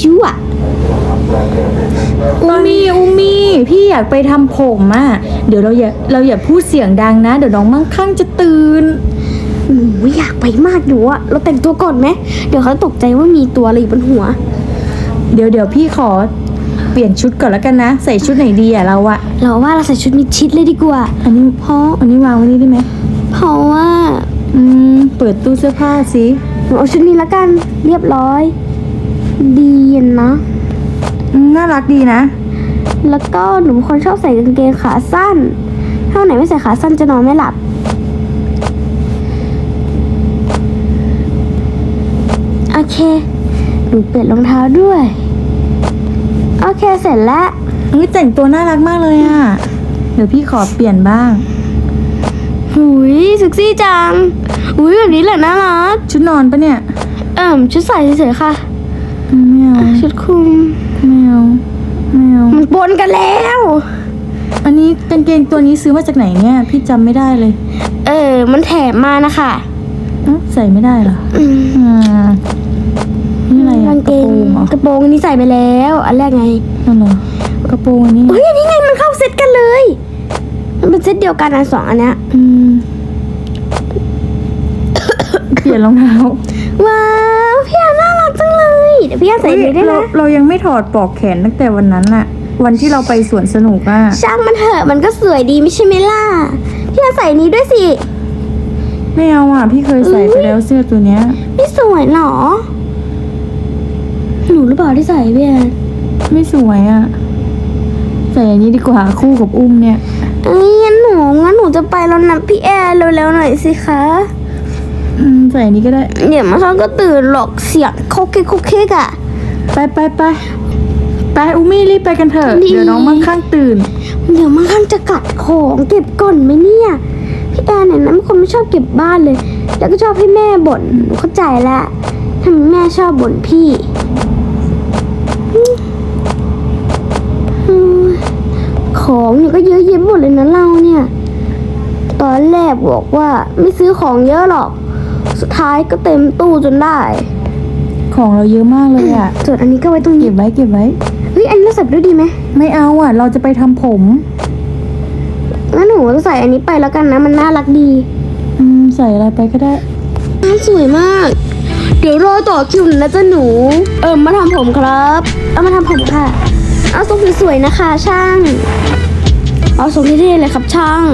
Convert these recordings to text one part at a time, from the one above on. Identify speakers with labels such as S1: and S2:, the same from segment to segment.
S1: ชั่ว
S2: อุมีพี่อยากไปทำผมอ่ะเดี๋ยวเราอย่าพูดเสียงดังนะเดี๋ยวน้องมั่งคั่งจะตื่น
S1: หนูอยากไปมากหนูอะเราแต่งตัวก่อนไหมเดี๋ยวเขาตกใจว่ามีตัวอะไรอยู่บนหัว
S2: เดี๋ยวพี่ขอเปลี่ยนชุดก่อนแล้วกันนะใส่ชุดไหนดีอะเราอะ
S1: เราว่าเราใส่ชุดมิดชิดเลยดีกว่า
S2: อันนี้วางไว้นี่ได้ไหม
S1: เพราะว่า
S2: เปิดตู้เสื้อผ้าสิ
S1: หนูเอาชุดนี้ละกันเรียบร้อยดีนะ
S2: น่ารักดีนะ
S1: แล้วก็หนูเป็นคนชอบใส่กางเกงขาสั้นถ้าไหนไม่ใส่ขาสั้นจะนอนไม่หลับโอเคหนูเปลี่ยนรองเท้าด้วยโอเคเสร็จแล้ว
S2: แต่งตัวน่ารักมากเลยอ่ะเดี๋ยวพี่ขอเปลี่ยนบ้าง
S1: หุยเซ็กซี่จังหุยแบบนี้แหละน่ารัก
S2: ชุดนอนปะเนี่ย
S1: ชุดใส่เฉยๆค่ะ
S2: ไม่เอา
S1: ชุดคลุม
S2: ไม่เอา
S1: มันปนกันแล้ว
S2: อันนี้กางเกงตัวนี้ซื้อมาจากไหนเนี่ยพี่จำไม่ได้เลย
S1: มันแถมมานะคะ
S2: ใส่ไม่ได้เหรอนี่อะไร
S1: กางเกงกระโปรงอันนี้ใส่ไปแล้วอันแรกไง
S2: นั่นเหรอกระโปรงอันนี้
S1: อันนี้ไงมันเข้าเซตกันเลยมันเป็นเซตเดียวกันนะ2อันเนี้ย
S2: เปลี่ยนรองเท้า
S1: ว้าวพี่อันน่ารักจังเลยเดี๋ยวพี่อันใส่เลยได้ไหม
S2: เรายังไม่ถอดปลอกแขนตั้งแต่วันนั้นอะวันที่เราไปสวนสนุกอะ
S1: ช่างมันเถอะมันก็สวยดีไม่ใช่ไหมล่ะพี่อันใส่นี้ด้วยสิ
S2: ไม่เอาอ่ะพี่เคยใส่ไปแล้วเสื้อตัวเนี้ย
S1: ไม่สวยหรอหนูหรือเปล่าที่ใส่พี่อัน
S2: ไม่สวยอ่ะใส่อันนี้ดีกว่าคู่กับอุ้มเนี่ย
S1: งั้นหนูจะไปแล้วนะพี่แอร์เร็วๆหน่อยสิคะ
S2: ใส่อันนี้ก็ได้
S1: เดี๋ยวมาซ้อนก็ตื่นหรอกเสียงโคกอ่ะ
S2: ไปอุ้มมี่รีบไปกันเถอะเดี๋ยวน้องมั่งคั่งตื่น
S1: เดี๋ยวมั่งคั่งจะกัดของเก็บก่อนไหมเนี่ยพี่แอร์เนี่ยนะเป็นคนไม่ชอบเก็บบ้านเลยแล้วก็ชอบให้แม่บ่นหนูเข้าใจละทำไมแม่ชอบบ่นพี่ของเนี่ยก็เยอะแยะหมดเลยนะเราเนี่ยตอนแรกบอกว่าไม่ซื้อของเยอะหรอกสุดท้ายก็เต็มตู้จนได้
S2: ของเราเยอะมากเลยอ่ะ
S1: ส่วนอันนี้ก็ไว้ตรงนี้
S2: เก็บไว้
S1: เฮ้ยอันนี้เราใส่ด้วยดีไหม
S2: ไม่เอาอ่ะเราจะไปทำผม
S1: งั้นหนูจะใส่อันนี้ไปแล้วกันนะมันน่ารักดี
S2: ใส่อะไรไปก็ได้
S1: สวยมากเดี๋ยวรอต่อคิวนะจ๊ะหนูมาทำผมครับมาทำผมค่ะเอาทรงสวยๆนะคะช่างเอาทรงเท่ๆเลยครับช่าง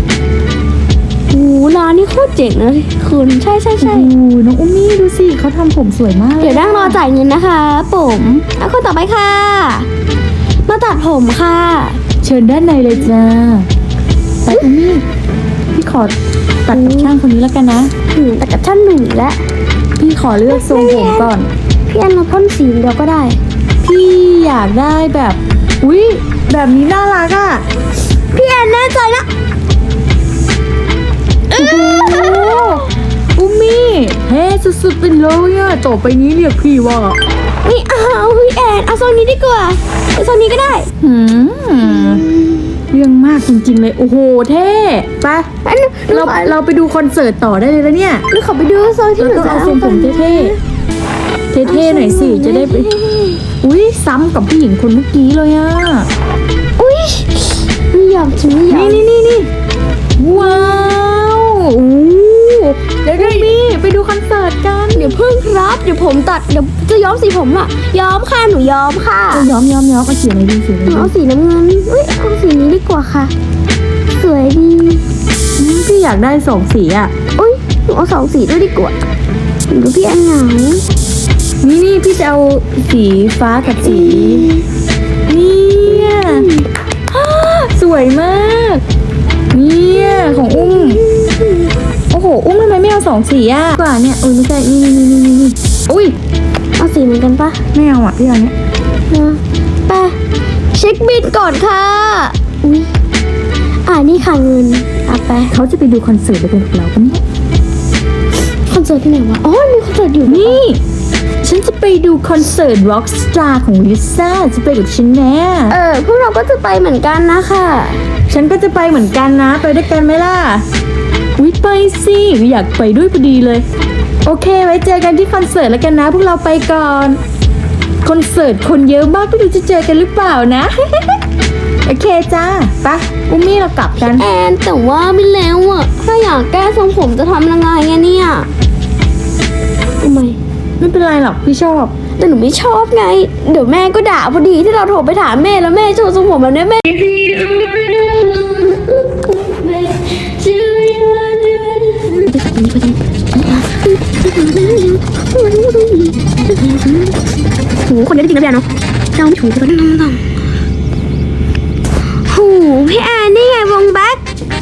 S1: ร้านนี้โคตรเจ๋งนะคุณใช่
S2: น้องอุ้มมี่ดูสิเขาทำผมสวยมาก
S1: เดี๋ยวนั่งรอจ่ายเงินนะคะผมเอาคนต่อไปค่ะมาตัดผมค่ะ
S2: เชิญด้านในเลยจ้าไปอุ้มมี่พี่ขอตัดกับช่างคนนี้แล้วกันนะ
S1: ตัดกับช่างหนึ่งแล้ว
S2: พี่ขอเลือกทรงผมก่อน
S1: พี่อันเราพ่นสีเดียวก็ได้
S2: พี่อยากได้แบบแบบนี้น่ารักอ่ะ
S1: พี่แอนแน่ใจนะ
S2: อุ้มมี่เฮ้สุดๆเป็นเลยอ่ะต่อไปนี้เรียกพี่ว่า
S1: ไม่เอาพี่แอนเอาทรงนี้ดีกว่าเอาทรงนี้ก็ได้
S2: เรื่องมากจริงๆเลยโอ้โหเท่ไปเราไปดูคอนเสิร์ตต่อได้เลยแล้วเนี่ย
S1: เราขอไปดูทรงที่หนูจะ
S2: เอาทรงผมเท่หน่อยสิจะได้ไปซ้ำกับผู้หญิงคนเมื่อกี้เลยอ่ะ
S1: ไม่ยอมฉันไม่ยอม
S2: นี่ว้าวเดี๋ยวพี่ไปดูคอนเสิร์ตกัน
S1: เดี๋ยวเพิ่งครับเดี๋ยวผมตัดเดี๋ยวจะย้อมสีผมอ่ะย้อมค่ะหนูย้อมค่ะ
S2: ย้อมเอาสีอะไรดี
S1: เอาสีน้ำเงินเอาสีนี้ดีกว่าค่ะสวยดี
S2: พี่อยากได้2สีอ่ะ
S1: หนูเอา2สีด้วยดีกว่าดูพี่อันเหงา
S2: นี่พี่จะเอาสีฟ้ากับสีเนี่ยสวยมากเนี่ยของอุ้มโอ้โหอุ้มทำไมไม่เอา2สีอ่ะกว่าเนี่ยไม่ใช่นี่
S1: เอาสีเหมือนกันปะ
S2: ไม่เอาอ่ะพี่เอาเนี้ย
S1: ไปเช็คบิลก่อนค่ะนี่ค่ะเงินไป
S2: เขาจะไปดูคอนเสิร์ตด้วยกันกับเราปะเนี่ย
S1: คอนเสิร์ตที่ไหนวะมีคอนเสิร์ตอยู่
S2: นี่ฉันจะไปดูคอนเสิร์ต Rockstar ของลิซ่าจะไปกับฉันแน่
S1: พวกเราก็จะไปเหมือนกันนะคะ
S2: ฉันก็จะไปเหมือนกันนะไปด้วยกันไหมล่ะไปสิอยากไปด้วยพอดีเลยโอเคไว้เจอกันที่คอนเสิร์ตแล้วกันนะพวกเราไปก่อนคอนเสิร์ตคนเยอะมากไม่รู้จะเจอกันหรือเปล่านะ โอเคจ้าไปอุ้มมี่เรากลับกัน
S1: แอนแต่ว่าไม่แล้วอ่ะถ้าอยากแก้ทรงผมจะทำยังไงอะเนี่ยทำไม
S2: ไม่เป็นไรหรอกพี่ชอบ
S1: แต่หนูไม่ชอบไง เดี๋ยวแม่ก็ด่าพอดีที่เราโทรไปถามแม่แล้วแม่โชว์ทรงผมแบบนี้แม่ โหคนเยอะจริงๆนะพี่แอนเนาะเราไม่ถูกกันต้องโหพี่แอนนี่ไงวงแบ็ค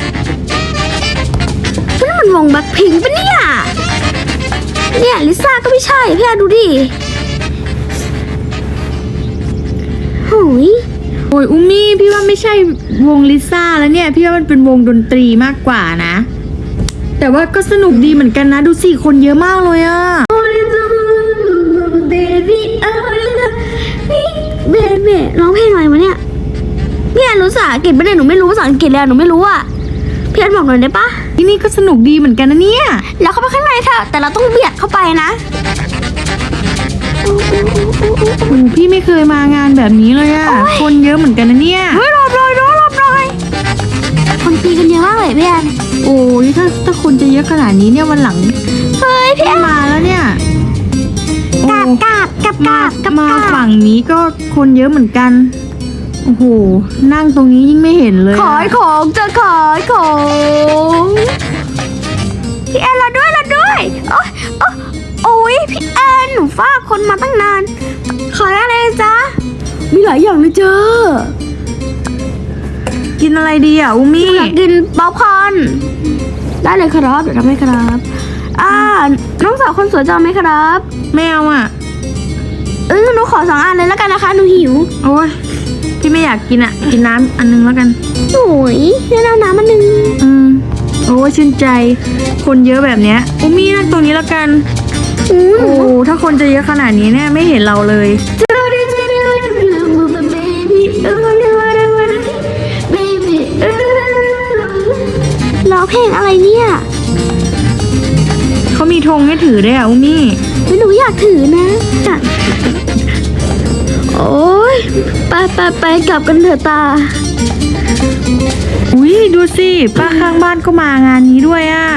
S1: นั่นมันวงแบ็คพิงค์ปะเนี่ยเนี่ยลิซ่าก็ไม่ใช่พี่แอนดูดิโหย
S2: โอ้ยอุ้มมี่พี่ว่าไม่ใช่วงลิซ่าแล้วเนี่ยพี่ว่ามันเป็นวงดนตรีมากกว่านะ แต่ว่าก็สนุกดีเหมือนกันนะดูสิคนเยอะมากเลยอะ
S1: เบบี้เบบี้ร้องเพลงอะไรวะเนี่ยพี่แอนรู้ภาษาอังกฤษปะเนี่ยหนูไม่รู้ภาษาอังกฤษเลยอะหนูไม่รู้อะพี่แอนบอกหน่อยได้ปะ
S2: ที่นี่ก็สนุกดีเหมือนกันนะเนี่ย
S1: แล้วเข้าไปข้างในเถอะแต่เราต้องเบียดเข้าไปนะ
S2: โอ้พี่ไม่เคยมางานแบบนี้เลยอะคนเยอะเหมือนกันนะเนี่ย
S1: เฮ้ยรอบเลยเนาะรอบเลยคนตีกันเยอะมากเลยพี่แอน
S2: โอ้ยถ้าคนจะเยอะขนาดนี้เนี่ยวันหลัง
S1: เฮ้ยพี่แอน
S2: มาแล้วเนี่ยโอ้
S1: กลับ
S2: มาฝั่งนี้ก็คนเยอะเหมือนกันโอ้โหนั่งตรงนี้ยิ่งไม่เห็นเลยอะ
S1: ขายของจะขายของพี่แอนเราด้วยโอ้ยพี่แอนหนูฝากคนมาตั้งนานขายอะไรจ๊ะมีหลายอย่างเลยเจ้า
S2: กินอะไรดีอ่ะอุ้มมี่
S1: อยากกินป๊อปคอร์นได้เลยครับเดี๋ยวทำให้ครับน้องสาวคนสวยจะเอาไหมครับ
S2: ไม่เอาอ่ะ
S1: หนูขอ2 อันเลยแล้วกันนะคะหนูหิว
S2: โอ้ยพี่ไม่อยากกินอ่ะกินน้ำอันนึงแล้วกัน
S1: โอ้ยเล่นน้ำมันหนึ่ง
S2: โอ้ยชื่นใจ คนเยอะแบบเนี้ยอุ้มมี่นั่งตรงนี้แล้วกันโอ้ถ้าคนจะเยอะขนาดนี้เนี่ยไม่เห็นเราเลย
S1: ร้องเพลงอะไรเนี่ย
S2: เขามีธงให้ถือด้วยอ่ะอุ้มมี่
S1: ไม่หนูอยากถือนะโอ้ยไปกลับกันเถอะตา
S2: อุ้ยดูสิป้าข้างบ้านก็มางานนี้ด้วยอ่ะ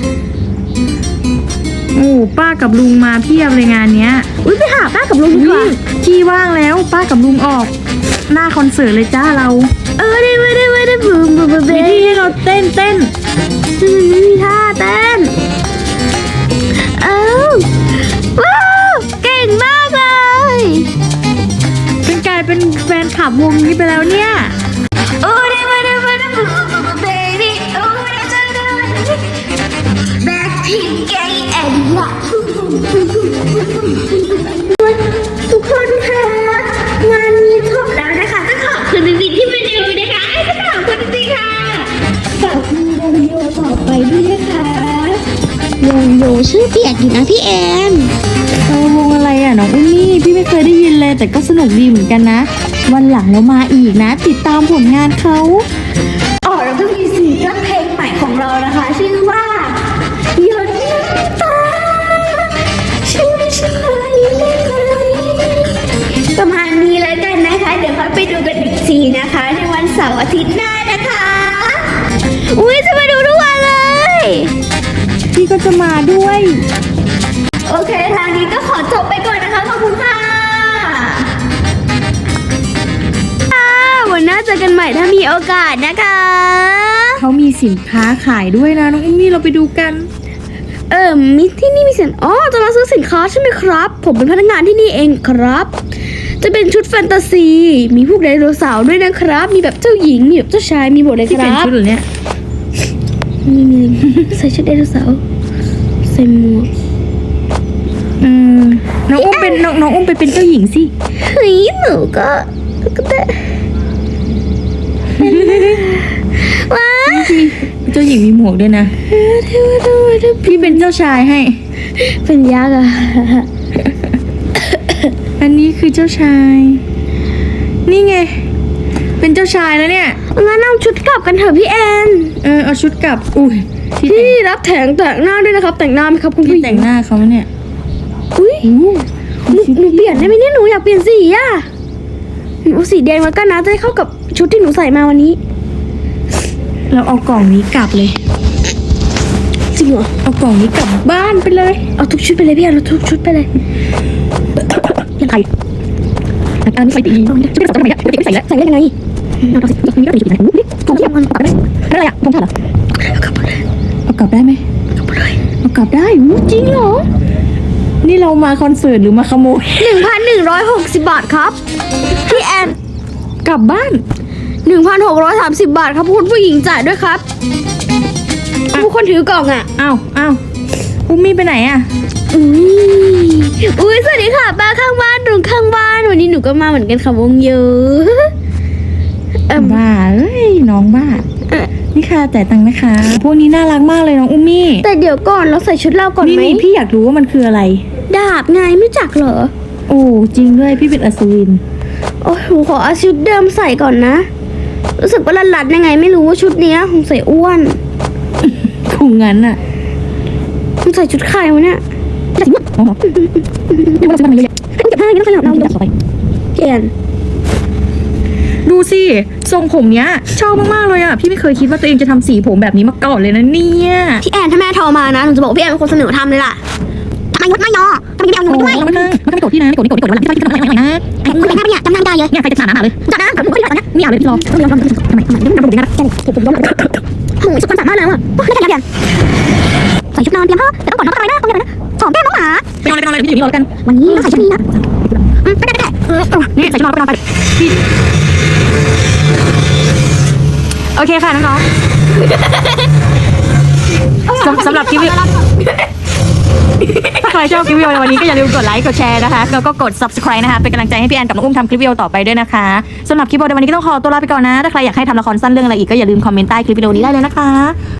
S2: โอ้ป้ากับลุงมาเพียบเลยงานเนี้ย
S1: อุ้ยไปหาป้ากับลุงดีกว่า
S2: ที่ว่างแล้วป้ากับลุงออก หน้าคอนเสิร์ตเลยจ้าเรา
S1: ได้บูม
S2: มีที่ให้เราเต้น
S1: ไม่มีท่าเต้นว้าวเก่งมากเลย
S2: เป็นกลายเป็นแฟนคลับวงนี้ไปแล้วเนี่ย
S1: ทุกคนค่ะงานนี้จบแล้วนะคะต้องขอบคุณจริงๆที่มาดูนะคะต้องขอบคุณจริงๆค่ะฝากดูวิดีโอต่อไปด้วยนะคะวงโยชื่อเปียกอยู่นะพี่แอน
S2: วงอะไรอ่ะน้องอุ้มมี่พี่ไม่เคยได้ยินเลยแต่ก็สนุกดีเหมือนกันนะ วันหลังเรามาอีกนะ ติดตามผลงานเขา
S1: แล้วก็มีซิงเกิลเพลงใหม่ของเรานะคะชื่อว่าหยดน้ำตาฉันไม่ใช่ประมาณนี้แล้วกันนะคะ เดี๋ยวค่อยไปดูกันอีกทีนะคะ ในวันเสาร์อาทิตย์หน้านะคะ อุ้ยจะมาดูทุกวันเลย
S2: พี่ก็จะมาด้วย
S1: โอเคทางนี้ก็ขอจบไปก่อนนะคะขอบคุณค่ะวันหน้าเจอกันใหม่ถ้ามีโอกาสนะคะ
S2: เขามีสินค้าขายด้วยนะน้องอุ้มมี่เราไปดูกัน
S1: มีที่นี่มีสินจะมาซื้อสินค้าใช่ไหมครับ ผมเป็นพนักงานที่นี่เองครับ จะเป็นชุดแฟนตาซี มีพวกไดโนเสาร์ด้วยนะครับ มีแบบเจ้าหญิง มีแบบเจ้าชาย มีหมดเลยค
S2: ที่เป็น
S1: รับ
S2: ชุดเหรอเนี่ย
S1: มี ใส่ชุดไดโนเสาร์ ใส่หมวก
S2: น้องอุ้มเป็นน้องอุ้มไปเป็นเจ้าหญิงสิ
S1: เฮ้ยหนูก็ได้ ว้า
S2: เจ้าหญิงมีหมวกด้วยนะ พี่เป็นเจ้าชายให้
S1: เป็นยักษ์อะ
S2: อันนี้คือเจ้าชาย นี่ไง เป็นเจ้าชายแล้วเนี่ย
S1: งั้นเอาชุดกลับกันเถอะพี่แอน
S2: เอาชุดกลับ อุ้ยที่
S1: พี่รับแต่งหน้าด้วยนะครับ แต่งหน้าไหมครับคุณ
S2: ที่
S1: ผู้หญิ
S2: แต่
S1: ง
S2: งหน้าเขาเนี่ย
S1: อุ้ยหนูเปลี่ยนได้ไหมเนี่ยหนูอยากเปลี่ยนสีอ่ะหนูเอาสีแดงแล้วกันนะจะได้เข้ากับชุดที่หนูใส่มาวันนี้
S2: เราเอากล่องนี้กลับเลย
S1: จริงเหรอ
S2: เอากล่องนี้กลับบ้านไปเลย
S1: เอาทุกชุดไปเลยพี่อันเอาทุกชุดไปเลย
S2: ยังไงอันนี้ใส่ดีจะไปใส่ทำไมอ่ะไม่ใส่แล้ว
S1: ใส่ได้ยังไง
S2: เอาสิมีก็ใส่ชุดไหนถุงที่มันตัดได้อะไรอ่ะถุงเท้าเหรอเอากลับได้ไหมเอากลับได้จริงเหรอนี่เรามาคอนเสิร์ตหรือมาขโมย
S1: 1,160 บาทครับพี่แอน
S2: กลับบ้าน
S1: 1,630 บาทครับคุณผู้หญิงจ่ายด้วยครับผู้คนถือกล่องอ่ะ
S2: อ้าวอุ้มมี่ไปไหนอ่ะ
S1: อุ้ยสวัสดีค่ะป้าข้างบ้านลุงข้างบ้านวันนี้หนูก็มาเหมือนกันค่ะวงเยอะ
S2: บ้าเอ้ยน้องบ้านี่ค่ะจ่ายตังค์นะคะพวกนี้น่ารักมากเลยน้องอุ้มมี่
S1: แต่เดี๋ยวก่อนเราใส่ชุดเราก่อนไหม
S2: นี่พี่อยากรู้ว่ามันคืออะไร
S1: ดาบไงไม่จักเหรอ
S2: โอ้จริงด้วยพี่เป็นอัศวิน
S1: โอ้ยหนูขอเอาชุดเดิมใส่ก่อนนะรู้สึกว่าลัดๆยังไงไม่รู้ว่าชุดนี้คงใส่อ้วน
S2: คงงั้นอ่ะ
S1: คงใส่ชุดใครวะเนี่ย
S2: จะถึงอ๋อเดี๋ยวเราจะทำอะไรเยอะ
S1: เก็บผ้าอย่างนี้ต้องขยับเรา
S2: ต่อไป
S1: เปลี่ยน
S2: ดูสิทรงผมเนี้ยชอบมากๆเลยอ่ะพี่ไม่เคยคิดว่าตัวเองจะทำสีผมแบบนี้มาก่อนเลยนะเนี่ย
S1: พี่แอนถ้าแม่โทรมานะหนูจะบอกว่าพี่แอนเป็นคนเสนอทำเลยล่ะทำไมยุดไม่ยอทำไมไม่เอาเงินไปด้วย
S2: มันไม่โกรธพี่นะไม่โกรธวันหลังที่พี่ทำอะไรนะ
S1: คุณเป็นแม่ปะเนี่ยจำนานได้เลย
S2: เนี่ยใครจะถามหาเลย
S1: จัดนะผมก็อยากนะ
S2: ไม่เอาเลยพี่รอ
S1: ทำไมทำไมทำไมนะผมยอมโอ้ยสุดความสามารถแล้วอ่ะไม่ได้กันใส่ชุดนอนเตรียมผ้าแต่ต้องก่อนน้องทำไมนะต้องยังไงนะหอมแก้มน้องหมา
S2: ไปนอนเลยพี่อยู่นี่รอกัน
S1: วันนี้ใส่ชุดนี้นะไปได้
S2: นี่ใส่ชุดนอนไปนอนไปโอเคค่ะน้องๆสำหรับคลิปถ้าใครชอบคลิปวิดีโอในวันนี้ก็อย่าลืมกดไลค์กดแชร์นะคะแล้วก็กด subscribe นะคะเป็นกำลังใจให้พี่แอนกับน้องอุ้มทำคลิปวิดีโอต่อไปด้วยนะคะสำหรับคลิปวิดีโอในวันนี้ก็ต้องขอตัวลาไปก่อนนะถ้าใครอยากให้ทำละครสั้นเรื่องอะไรอีกก็อย่าลืมคอมเมนต์ใต้คลิปวิดีโอนี้ได้เลยนะคะ